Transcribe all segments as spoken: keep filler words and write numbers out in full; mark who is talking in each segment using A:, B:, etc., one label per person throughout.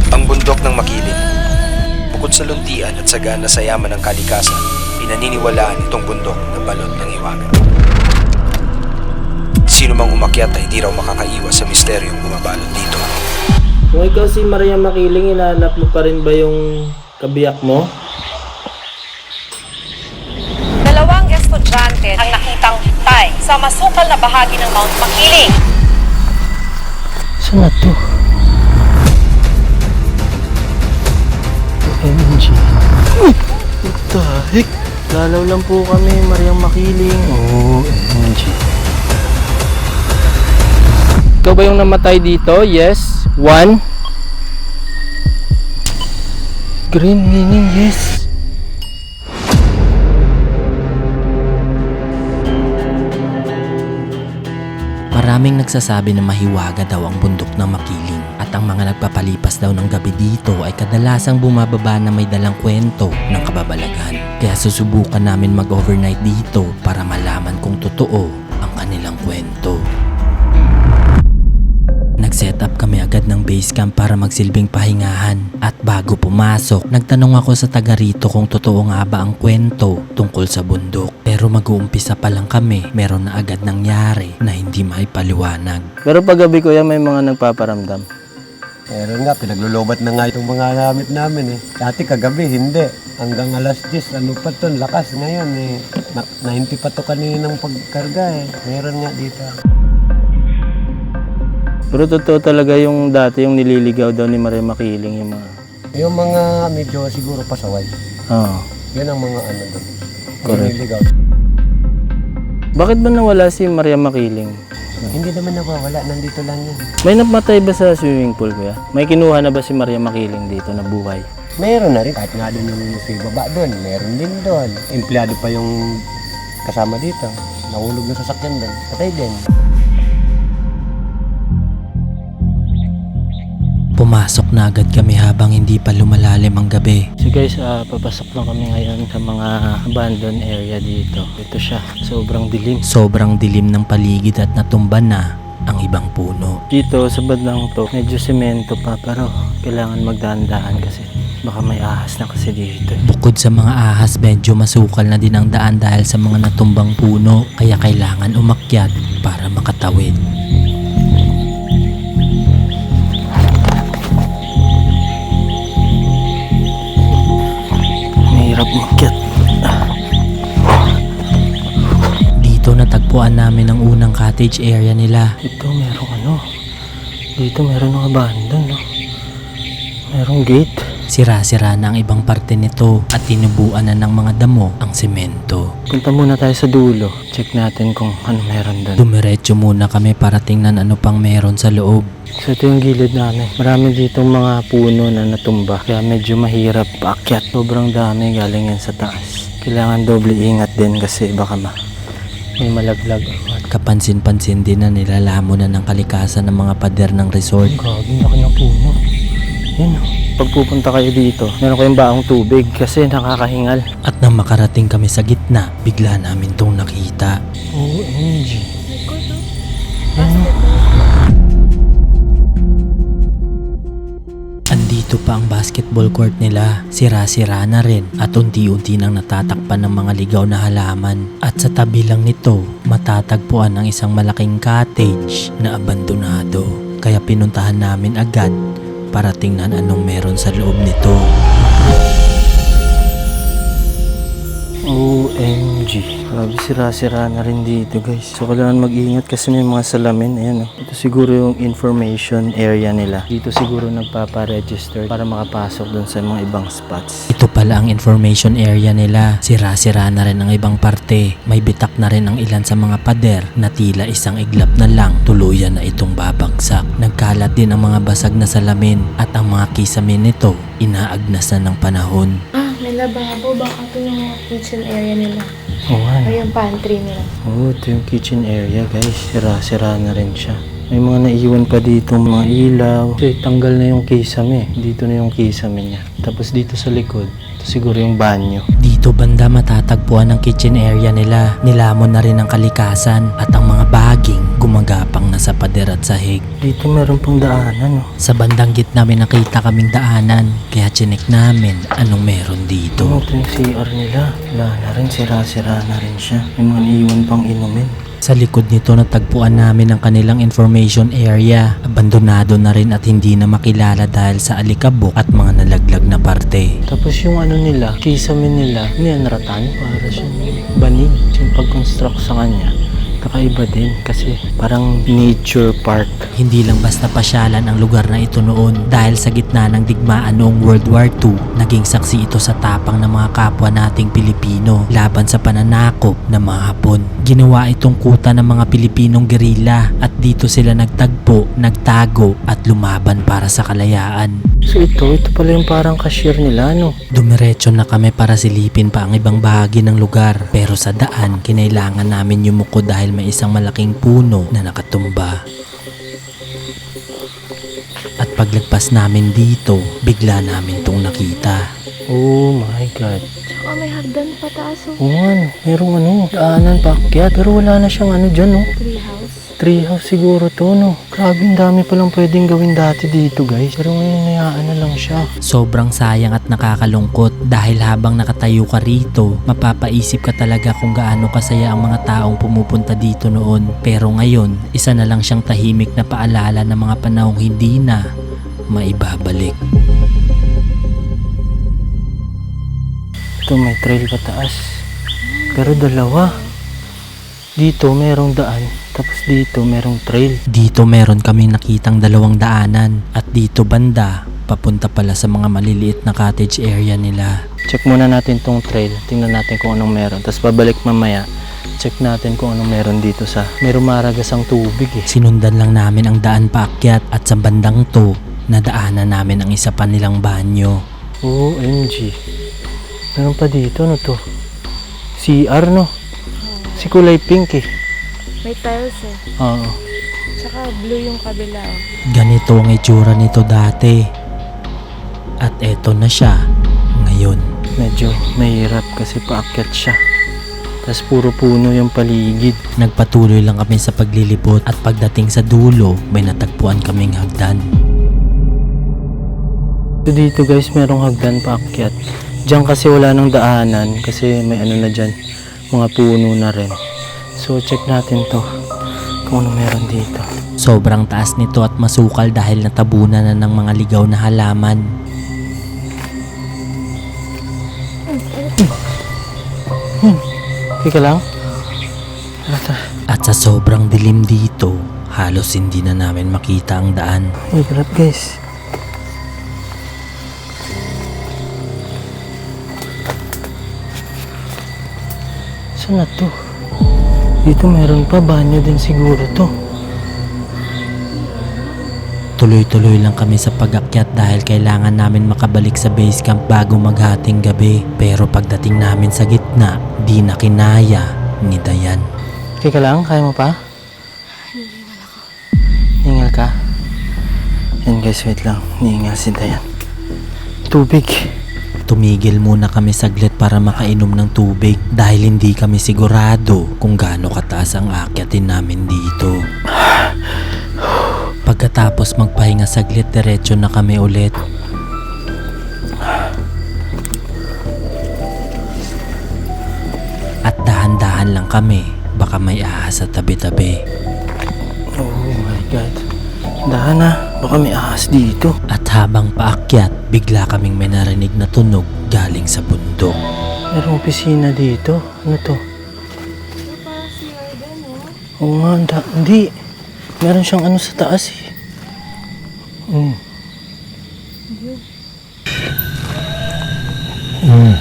A: Ang bundok ng Makiling. Bukod sa luntian at sagana sa yaman ng kalikasan, pinaniniwalaan itong bundok na balot ng hiwaga. Sino mang umakyat ay hindi raw makakaiwas sa misteryong bumabalot dito.
B: Kung ikaw si Maria Makiling, hinahanap mo pa rin ba yung kabiyak mo?
C: Dalawang estudyante ang nakitang hintay sa masukal na bahagi ng Mount Makiling.
B: Saan na to? O M G. What the heck? Lalaw lang po kami, Maria Makiling. O M G. Ikaw ba yung namatay dito? Yes. One. Green meaning yes.
D: Maraming nagsasabi na mahiwaga daw ang bundok ng Makiling at ang mga nagpapalipas daw ng gabi dito ay kadalasang bumababa na may dalang kwento ng kababalaghan. Kaya susubukan namin mag-overnight dito para malaman kung totoo ang kanilang kwento. Nag-set up kami agad ng base camp para magsilbing pahingahan at bago pumasok, nagtanong ako sa taga rito kung totoo nga ba ang kwento tungkol sa bundok. Pero mag-uumpisa pa lang kami, meron na agad nangyari na hindi maipaliwanag.
B: Pero pag gabi kuya, may mga nagpaparamdam.
E: Meron nga, pinaglulubat na nga itong mga gamit namin eh. Dati kagabi, hindi. Hanggang alas diyes, ano pa to, lakas ngayon eh. Na ninety pa to kaninang pagkarga eh. Meron nga dito.
B: Pero totoo talaga yung dati yung nililigaw daw ni Maria Makiling yung mga...
E: Yung mga medyo siguro pasaway.
B: Oo.
E: Yan ang mga ano doon.
B: Correct.
E: Nililigaw.
B: Bakit ba nawala si Maria Makiling?
E: Hindi naman nawawala, nandito lang yan.
B: May namatay ba sa swimming pool kuya? May kinuha na ba si Maria Makiling dito na buhay?
E: Meron na rin. Kahit nga doon yung si baba doon, meron din doon. Empleyado pa yung kasama dito. Nahulog na sasakyan doon. Patay din.
D: Pumasok na agad kami habang hindi pa lumalalim ang gabi.
B: So guys, uh, papasok lang kami ngayon sa mga abandoned area dito. Ito siya, sobrang dilim.
D: Sobrang dilim ng paligid at natumba na ang ibang puno.
B: Dito sa bandang to, medyo semento pa pero kailangan magdaan-daan kasi baka may ahas na kasi dito.
D: Bukod sa mga ahas, medyo masukal na din ang daan dahil sa mga natumbang puno, kaya kailangan umakyat para makatawid.
B: Mahirap umakyat.
D: Dito natagpuan namin ang unang cottage area nila.
B: Ito merong ano, dito meron ng abandon, no? Merong gate.
D: Sira-sira na ang ibang parte nito at tinubuan na ng mga damo ang semento.
B: Punta muna tayo sa dulo. Check natin kung ano meron doon.
D: Dumiretso muna kami para tingnan ano pang meron sa loob.
B: So ito yung gilid namin. Marami ditong mga puno na natumba. Kaya medyo mahirap paakyat. Sobrang dami galing yan sa taas. Kailangan doble ingat din kasi baka ma may malaglag.
D: Kapansin-pansin din na nilalamo na ng kalikasan ng mga pader ng resort.
B: Grabe, laki ng puno. Yan. Pag pupunta kayo dito, meron kayong baong tubig kasi nakakahingal.
D: At nang makarating kami sa gitna, bigla namin tong nakita.
B: O M G. Yan.
D: Andito pa ang basketball court nila. Sira-sira na rin at unti-unti nang natatakpan ng mga ligaw na halaman. At sa tabi lang nito, matatagpuan ang isang malaking cottage na abandonado. Kaya pinuntahan namin agad para tingnan anong meron sa loob nito.
B: O M G. Grabe, sira-sira na rin dito guys. So kailangan mag-ingat kasi may mga salamin. Ayan oh. Ito siguro yung information area nila. Dito siguro nagpapa-register para makapasok dun sa mga ibang spots.
D: Ito pala ang information area nila. Sira-sira na rin ang ibang parte. May bitak na rin ang ilan sa mga pader na tila isang iglap na lang tuluyan na itong babagsak. Nagkalat din ang mga basag na salamin at ang mga kisamin nito inaagnas na ng panahon.
F: Ah, may lababo. Baka ito yung kitchen area nila.
B: Oo nga.
F: O yung pantry nila.
B: Oo, ito yung kitchen area guys. Sira-sira na rin siya. May mga naiwan pa dito mga ilaw. Kasi tanggal na yung kisame. Dito na yung kisame niya. Tapos dito sa likod, ito siguro yung banyo.
D: Dito banda matatagpuan ang kitchen area nila. Nilamon na rin ang kalikasan at ang mga baging gumagapang na sa pader at sahig.
B: Dito meron pang daanan, oh.
D: Sa bandang gitna may nakita kaming daanan, kaya chinek namin anong meron dito.
B: Ito yung C R nila. Wala na rin, sira-sira na rin siya. May mga iwan pang inumin.
D: Sa likod nito natagpuan namin ang kanilang information area. Abandonado na rin at hindi na makilala dahil sa alikabok at mga nalaglag na parte.
B: Tapos yung ano nila, kisame nila, nianratan. Para siyang banig. Yung pag-construct sa kanya, kakaiba din kasi parang nature park.
D: Hindi lang basta pasyalan ang lugar na ito noon dahil sa gitna ng digmaan noong World War Two, naging saksi ito sa tapang ng mga kapwa nating Pilipino laban sa pananakop ng mga Hapon. Ginawa itong kuta ng mga Pilipinong gerilla at dito sila nagtagpo, nagtago at lumaban para sa kalayaan.
B: So ito, ito pala yung parang cashier nila, no?
D: Dumiretso na kami para silipin pa ang ibang bahagi ng lugar, pero sa daan kinailangan namin yumuko dahil may isang malaking puno na nakatumba. At paglagpas namin dito, bigla namin tong nakita.
B: Oh my God.
F: Tsaka may hagdan pataas oh.
B: Oo nga, no. Merong ano, daanan paakyat. Pero wala na siyang ano dyan, no?
F: Tree house.
B: Tree house siguro to, no? Grabe, ang dami palang pwedeng gawin dati dito, guys. Pero ngayon, nayaan na lang siya.
D: Sobrang sayang at nakakalungkot dahil habang nakatayo ka rito, mapapaisip ka talaga kung gaano kasaya ang mga taong pumupunta dito noon. Pero ngayon, isa na lang siyang tahimik na paalala ng mga panahong hindi na maibabalik.
B: Ito, may trail pataas. Pero dalawa. Dito, merong daan. Tapos dito, merong trail.
D: Dito meron kaming nakitang dalawang daanan at dito banda, papunta pala sa mga maliliit na cottage area nila.
B: Check muna natin tong trail. Tingnan natin kung anong meron. Tapos babalik mamaya. Check natin kung anong meron dito sa... May rumaragasang tubig eh.
D: Sinundan lang namin ang daan paakyat at sa bandang to, nadaanan namin ang isa pa nilang banyo.
B: O M G. Meron pa dito, ano to? C R, no? Si kulay pink eh.
F: May tiles eh.
B: Oo.
F: Tsaka blue yung kabila oh.
D: Ganito ang itsura nito dati. At eto na siya ngayon.
B: Medyo mahirap kasi paakyat siya. Tapos puro puno yung paligid.
D: Nagpatuloy lang kami sa paglilibot at pagdating sa dulo, may natagpuan kaming hagdan.
B: So dito guys, merong hagdan paakyat. Diyan kasi wala nang daanan kasi may ano na dyan, mga puno na rin. So check natin to kung ano meron dito.
D: Sobrang taas nito at masukal dahil natabunan na ng mga ligaw na halaman.
B: Hmm. Teka lang. Ata.
D: At sa sobrang dilim dito, halos hindi na namin makita ang daan.
B: Ay, grab guys. Saan na to? Dito meron pa, banyo din siguro to.
D: Tuloy-tuloy lang kami sa pag-akyat dahil kailangan namin makabalik sa base camp bago maghating gabi. Pero pagdating namin sa gitna, di na kinaya ni Dayan.
B: Teka lang, kaya mo pa?
F: Hinihingal ako.
B: Hingal ka? Yan guys, wait lang. Hihingal si Dayan. Tubig.
D: Tumigil muna kami saglit para makainom ng tubig dahil hindi kami sigurado kung gaano kataas ang akyatin namin dito. Pagkatapos magpahinga saglit, diretso na kami ulit. At dahan-dahan lang kami, baka may ahas sa tabi-tabi.
B: Oh my God. Dahan na, baka may ahas dito.
D: At habang paakyat, bigla kaming may narinig na tunog galing sa bundok.
B: Merong opisina dito. Ano to?
F: Ito parang C R din oh.
B: Oo nga, da- hindi. Meron siyang ano sa taas eh. Mm.
D: Mm.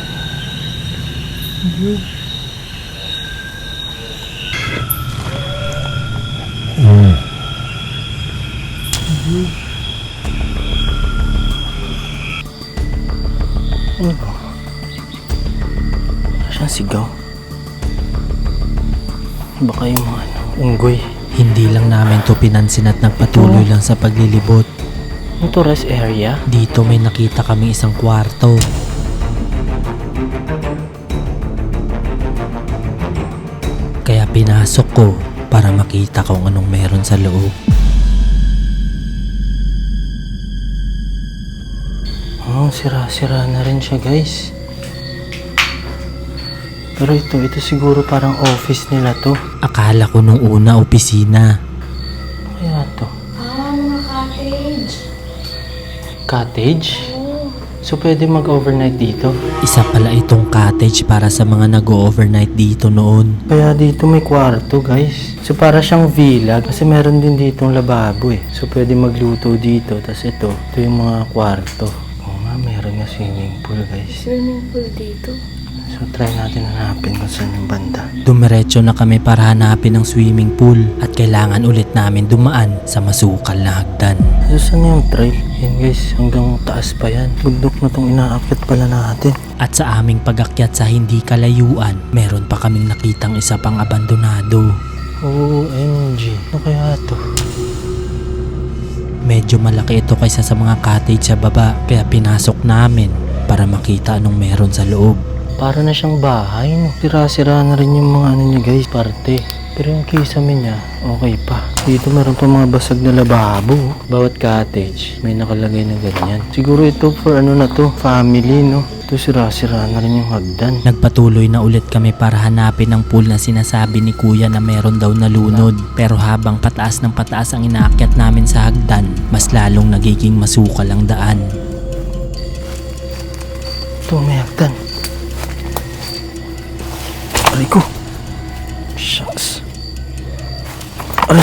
D: Mm.
B: Ano ba? Wala siyang sigaw. Baka yung mga ano, unggoy.
D: Hindi lang namin to pinansin at nagpatuloy lang sa paglilibot.
B: Ano to, rest area?
D: Dito may nakita kami isang kwarto. Kaya pinasok ko para makita kung anong meron sa loob.
B: Oh, sira-sira na rin siya, guys. Pero ito, ito siguro parang office nila to.
D: Akala ko nung una opisina.
B: Ano kaya to?
F: Ah, mga cottage.
B: Cottage? So pwede mag-overnight dito?
D: Isa pala itong cottage para sa mga nag-overnight dito noon.
B: Kaya dito may kwarto, guys. So para siyang villa kasi meron din ditong lababo eh. So pwede magluto dito. Tapos ito, ito yung mga kwarto. Oo nga, meron nga swimming pool, guys.
F: Swimming pool dito.
B: So try natin hanapin kung saan yung banda.
D: Dumiretso na kami para hanapin ang swimming pool at kailangan ulit namin dumaan sa masukal na hagdan.
B: So saan yung trail? Yan guys, hanggang taas pa yan. Bundok na tong inaakit pala natin.
D: At sa aming pag-akyat sa hindi kalayuan, meron pa kaming nakitang isa pang abandonado.
B: O M G, ano kaya to?
D: Medyo malaki ito kaysa sa mga cottage sa baba, kaya pinasok namin para makita anong meron sa loob.
B: Para na siyang bahay, no? Sira-sira na rin yung mga ano niya guys, parte. Pero yung kisame niya, okay pa. Dito meron pa mga basag na lababo. Bawat cottage, may nakalagay na ganyan. Siguro ito for ano na to, family, no? Ito sira-sira na rin yung hagdan.
D: Nagpatuloy na ulit kami para hanapin ang pool na sinasabi ni kuya na meron daw nalunod. Pero habang pataas ng pataas ang inaakyat namin sa hagdan, mas lalong nagiging masukal ang daan.
B: Ito, may hagdan. Aray ko. Shucks. Aray.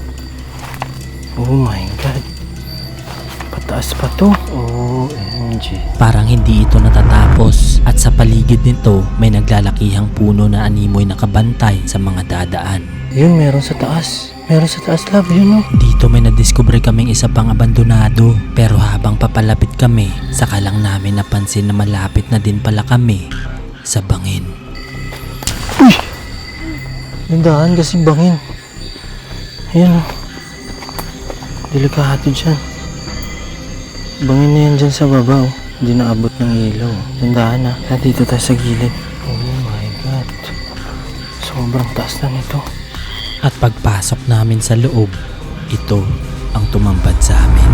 B: Oh my God. Pataas pa to. O M G.
D: Parang hindi ito natatapos at sa paligid nito may naglalakihang puno na animoy nakabantay sa mga dadaan.
B: Yun, meron sa taas. Meron sa taas, love. Yun, no?
D: Dito may nadiskubre kaming isa pang abandonado, pero habang papalapit kami, saka lang namin napansin na malapit na din pala kami sa bangin.
B: Uy! Nandahan kasi bangin. Ayan, oh. Delikado dyan. Bangin na yan dyan sa baba, oh. Hindi naabot ng ilaw. Nandahan, ah. Ah, dito tayo sa gilid. Oh my God. Sobrang taas na nito.
D: At pagpasok namin sa loob, ito ang tumambad sa amin.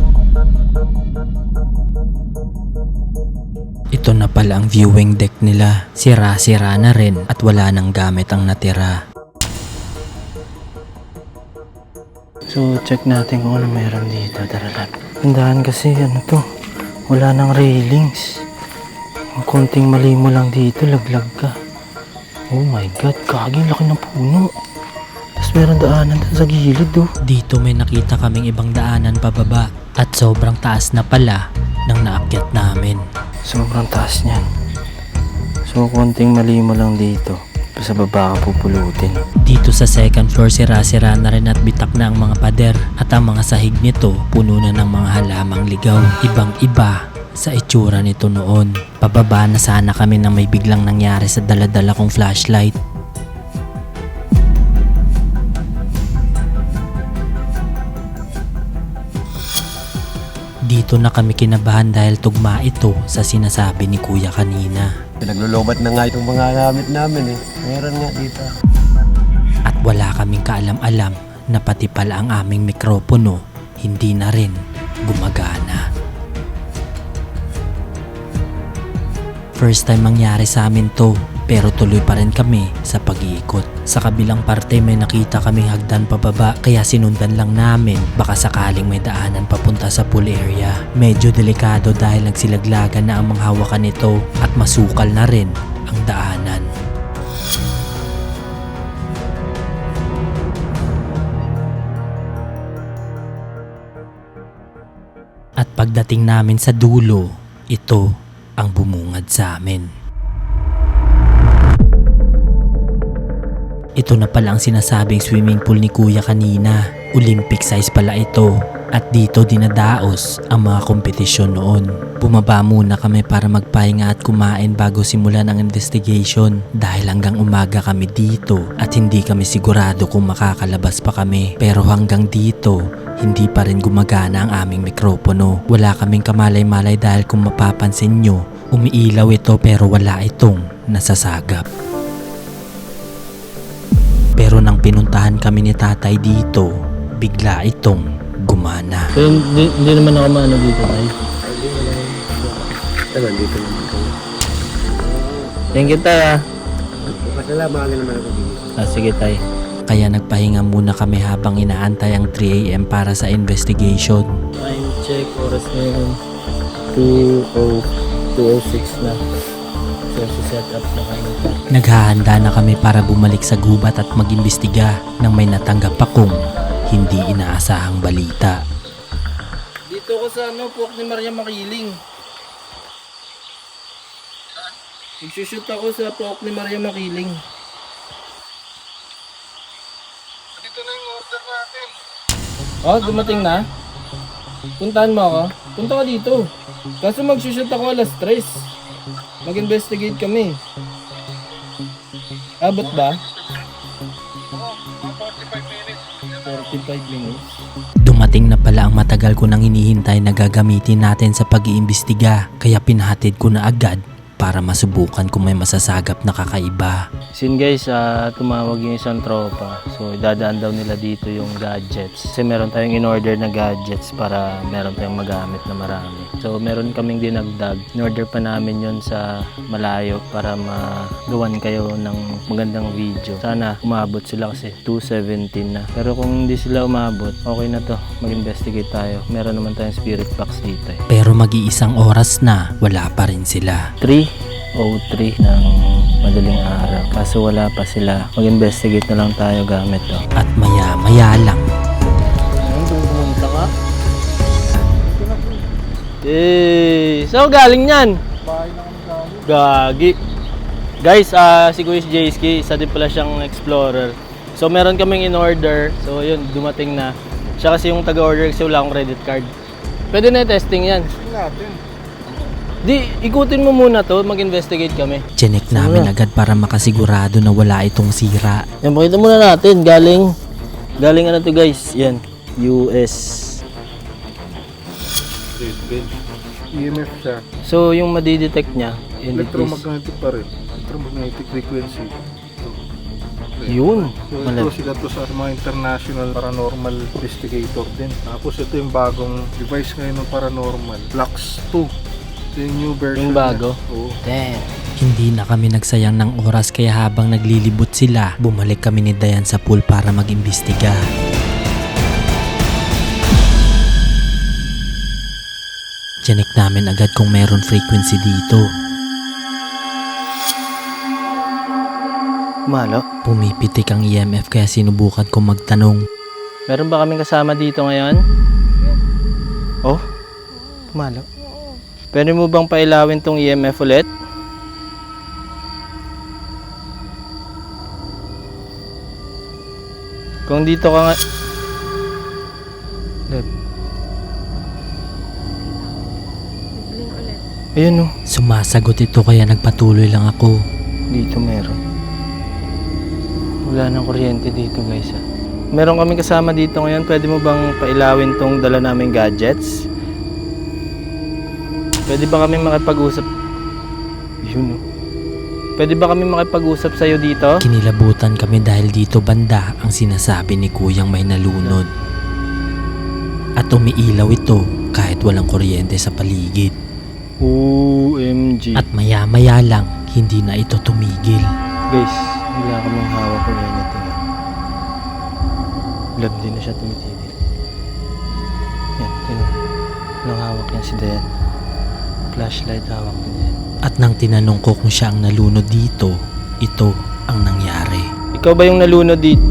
D: Ito na pala ang viewing deck nila. Sira-sira na rin at wala nang gamit ang natira.
B: So, check natin kung ano meron dito. Tara lang. Tandaan kasi, ano to, wala nang railings. Ang konting mali mo lang dito, laglag ka. Oh my God, kaging laki ng puno. Tapos meron daanan dun sa gilid, oh.
D: Dito may nakita kaming ibang daanan pababa at sobrang taas na pala ng naakyat namin.
B: Sobrang taas niyan. So, konting mali mo lang dito. Sa baba ka pupulutin.
D: Dito sa second floor sira-sira na rin at bitak na ang mga pader at ang mga sahig nito puno na ng mga halamang ligaw. Ibang iba sa itsura nito noon. Pababa na sana kami nang may biglang nangyari sa daladala kong flashlight. Dito na kami kinabahan dahil tugma ito sa sinasabi ni kuya kanina.
E: Pinaglulubat na nga itong mga gamit namin eh. Meron nga dito.
D: At wala kaming kaalam-alam na pati pala ang aming mikropono hindi na rin gumagana. First time mangyari sa amin to, pero tuloy pa rin kami sa pag-iikot. Sa kabilang parte may nakita kaming hagdan pababa kaya sinundan lang namin baka sakaling may daanan papunta sa pool area. Medyo delikado dahil nagsilaglagan na ang mga hawakan nito at masukal na rin ang daanan. At pagdating namin sa dulo, ito ang bumungad sa amin. Ito na pala ang sinasabing swimming pool ni kuya kanina. Olympic size pala ito. At dito dinadaos ang mga kompetisyon noon. Bumaba muna kami para magpahinga at kumain bago simulan ang investigation. Dahil hanggang umaga kami dito at hindi kami sigurado kung makakalabas pa kami. Pero hanggang dito, hindi pa rin gumagana ang aming mikropono. Wala kaming kamalay-malay dahil kung mapapansin nyo, umiilaw ito pero wala itong nasasagap. Pero nang nang pinuntahan kami ni tatay dito, bigla itong gumana.
B: So, hindi, hindi naman ako maano dito, tay.
E: Tagal dito naman kayo.
B: Thank you, tay, ah.
E: Pasalamahan naman ako dito.
B: Ah, sige, tay.
D: Kaya nagpahinga muna kami habang inaantay ang three a.m. para sa investigation.
B: Time check, oras ngayon. two oh six na. So, set up na kami.
D: Naghahanda na kami para bumalik sa gubat at mag-imbestiga nang may natanggap akong hindi inaasahang balita.
B: Dito ko sa ano, Puwak ni Maria Makiling. Nagsushoot ako sa Puwak ni Maria Makiling. Dito na yung order natin. Oh, dumating na? Puntahan mo ako. Punta ka dito. Kaso magsushoot ako alas tres. Mag-investigate kami. Abot ba? forty-five minutes.
D: Dumating na pala ang matagal ko nang hinihintay na gagamitin natin sa pag-iimbestiga, kaya pinahatid ko na agad para masubukan kung may masasagap na kakaiba.
B: Sin guys, uh, tumawag yung isang tropa. So, dadaan daw nila dito yung gadgets. Kasi meron tayong in-order na gadgets para meron tayong magamit na marami. So, meron kaming dinagdag. In-order pa namin yun sa malayo para magawan kayo ng magandang video. Sana umabot sila kasi two seventeen na. Pero kung hindi sila umabot, okay na to. Mag-investigate tayo. Meron naman tayong spirit box dito eh.
D: Pero mag-iisang oras na, wala pa rin sila.
B: three oh three ng madaling araw. Kaso wala pa sila. Mag-investigate na lang tayo gamit to.
D: At maya-maya lang,
B: Ano, pumunta ka? Eh, saan galing yan? Gagi. Guys, ah si Kuya Jayski, isa din pala siyang explorer. So meron kaming in-order. So yun, dumating na. Siya kasi yung taga-order kasi wala akong credit card. Pwede na i-testing yan. Di, ikutin mo muna to, mag-investigate kami.
D: chinek namin agad para makasigurado na wala itong sira.
B: Yan, pakita muna natin. Galing, galing ano to guys? Yan, U S.
G: E M F siya.
B: So, yung madidetect niya, yun it is-
G: Electromagnetic pa rin. Electromagnetic frequency.
B: Yun.
G: So ito
B: Malab-
G: sila to sa mga international paranormal investigator din. Tapos ito yung bagong device ngayon ng paranormal. Lux two. Ito yung new version.
B: Yung bago?
G: niya. Oo.
B: Damn.
D: Hindi na kami nagsayang ng oras kaya habang naglilibot sila, bumalik kami ni Dayan sa pool para mag-imbestiga. Chinek namin agad kung meron frequency dito.
B: Malo.
D: Pumipitik ang E M F kaya sinubukan kong magtanong.
B: Meron ba kaming kasama dito ngayon? Oh? Malo. Pwede mo bang pailawin tong E M F ulit? Kung dito ka nga... Lab. Ayun oh.
D: Sumasagot ito kaya nagpatuloy lang ako.
B: Dito meron. Wala nang kuryente dito guys ah. Meron kaming kasama dito ngayon. Pwede mo bang pailawin tong dala naming gadgets? Pwede ba kami makipag-usap? Yun oh. Pwede ba kami makipag-usap sa'yo dito?
D: Kinilabutan kami dahil dito banda ang sinasabi ni Kuyang may nalunod. At umiilaw ito kahit walang kuryente sa paligid.
B: O M G.
D: At maya-maya lang, hindi na ito tumigil.
B: Guys, wala kaming hawak ko anything. Lab din na siya tumitigil. Yan, tinan. Walang hawak yan si Dayan. Flashlight hawak ni Dayan.
D: At nang tinanong ko kung siya ang nalunod dito, ito ang nangyari.
B: Ikaw ba yung nalunod dito?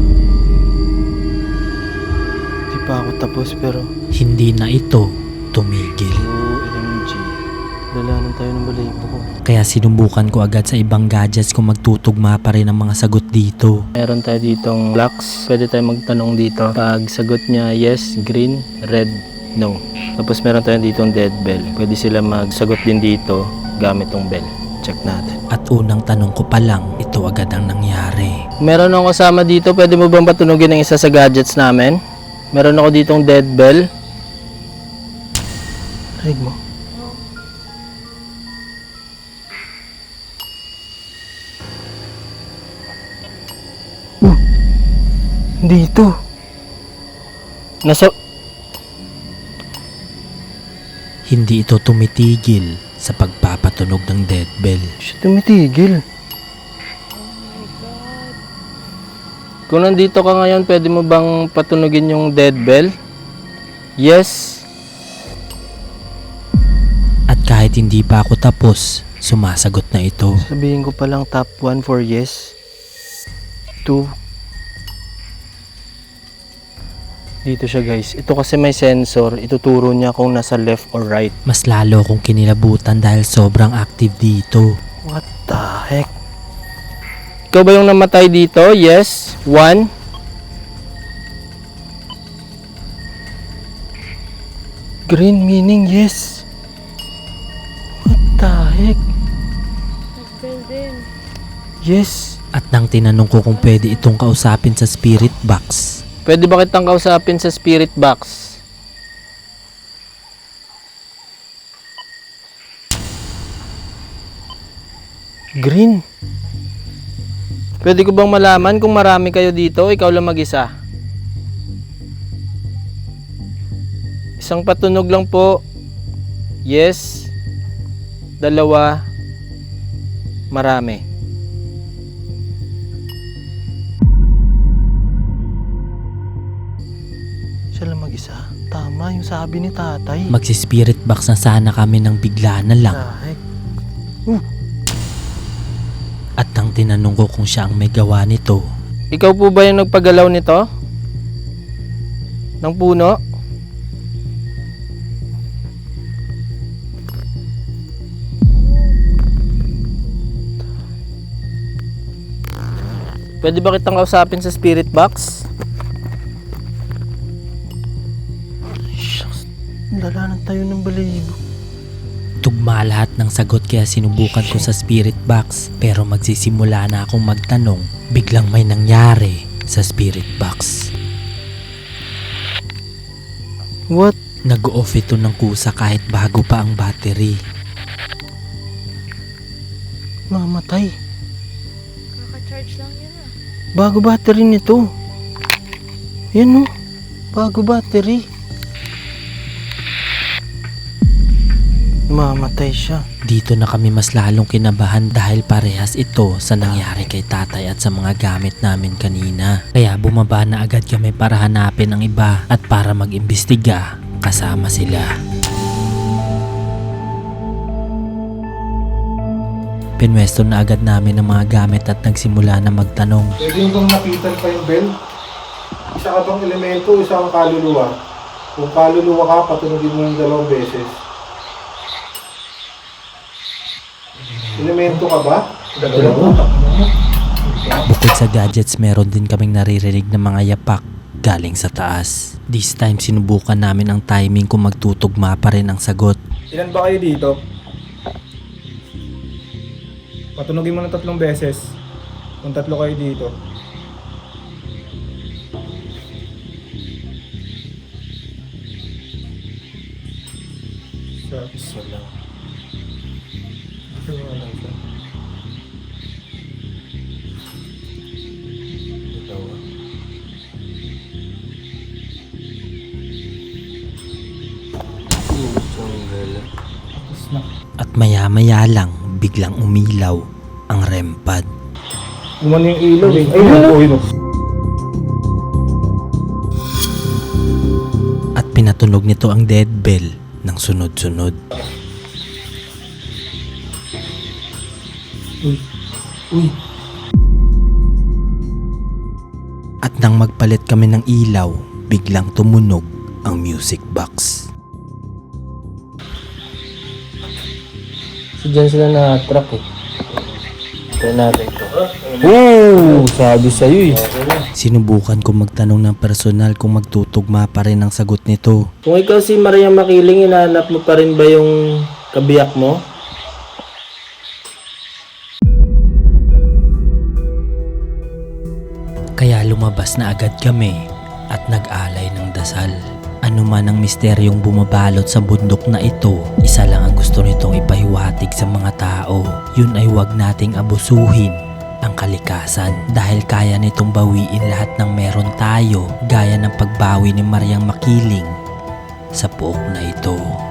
B: Di pa ako tapos pero...
D: Hindi na ito tumigil.
B: O M G. Dalanan tayo ng balayibo ko.
D: Kaya sinubukan ko agad sa ibang gadgets kung magtutugma pa rin ang mga sagot dito.
B: Meron tayo ditong Lux. Pwede tayo magtanong dito. Pag sagot niya yes, green, red, no. Tapos meron tayo ditong dead bell. Pwede sila magsagot din dito gamit tong bell. Check natin.
D: At unang tanong ko pa lang, ito agad ang nangyari.
B: Meron akong kasama dito. Pwede mo bang patunogin ang isa sa gadgets namin? Meron ako ditong dead bell. Rig mo. Uh! Nandito. Nasa...
D: Hindi ito tumitigil sa pagpapatunog ng dead bell.
B: Siya tumitigil. Kung nandito ka ngayon, pwede mo bang patunugin yung dead bell? Yes.
D: At kahit hindi pa ako tapos, sumasagot na ito.
B: Sabihin ko palang top one for yes. two. Dito siya guys. Ito kasi may sensor. Ituturo niya kung nasa left or right.
D: Mas lalo akong kinilabutan dahil sobrang active dito.
B: What the heck? Ikaw ba yung namatay dito? Yes. One. Green meaning yes. What the heck?
F: Nag-bell din.
B: Yes.
D: At nang tinanong ko kung pwede itong kausapin sa spirit box,
B: Pwede ba kitang kausapin sa spirit box? Green. Pwede ko bang malaman kung marami kayo dito? Ikaw lang mag-isa. Isang patunog lang po. Yes. Dalawa. Marami. Siya lang mag-isa. Tama yung sabi ni tatay.
D: magsi-spirit box na sana kami nang bigla na lang.
B: Ay,
D: At nang tinanong ko kung siya ang may gawa nito,
B: ikaw po ba yung nagpagalaw nito? Ng puno? Pwede ba kitang kausapin sa spirit box? Shucks, lala ng tayo ng balibo.
D: tugma lahat ng sagot kaya sinubukan ko sa spirit box. Pero magsisimula na akong magtanong, biglang may nangyari sa spirit box.
B: What?
D: Nag-off ito ng kusa kahit bago pa ang battery.
B: Mamatay.
F: Kaka-charge lang yun ah.
B: Bago battery nito. Yan o. Bago battery. Mamatay siya.
D: Dito na kami mas lalong kinabahan dahil parehas ito sa nangyari kay tatay at sa mga gamit namin kanina. Kaya bumaba na agad kami para hanapin ang iba at para mag-imbestiga kasama sila. Pinwesto na agad namin ang mga gamit at nagsimula na magtanong.
G: Pwede yung bang nakitan pa yung bell? Isa ka bang elemento, isa kang kaluluwa? Kung kaluluwa ka, patunogin mo yung dalawang beses. Elemento ka ba?
D: Bukod sa gadgets, meron din kaming naririnig ng mga yapak galing sa taas. This time, sinubukan namin ang timing kung magtutugma pa rin ang sagot.
H: Ilan ba kayo dito? Patunogin mo ng tatlong beses. Kung tatlo kayo dito. Sa isa lang. Ito nga lang siya. Dalawa. Tapos na.
D: At maya-maya lang, biglang umilaw ang R E M pad.
G: Umano yung ilaw eh. Ayun o, ayun o.
D: At pinatunog nito ang dead bell ng sunod-sunod. At nang magpalit kami ng ilaw, biglang tumunog ang music box.
B: So dyan sila na-track eh. Try natin ito. Oo! Sabi sa'yo eh.
D: Sinubukan ko magtanong ng personal kung magtutugma pa rin ang sagot nito.
B: Kung ikaw si Maria Makiling, hinahanap mo pa rin ba yung kabiyak mo?
D: Kaya lumabas na agad kami at nag-alay ng dasal. Ano man ang misteryong bumabalot sa bundok na ito, isa lang ang gusto nitong ipahiwatig sa mga tao. Yun ay huwag nating abusuhin ang kalikasan dahil kaya nitong bawiin lahat ng meron tayo gaya ng pagbawi ni Mariang Makiling sa pook na ito.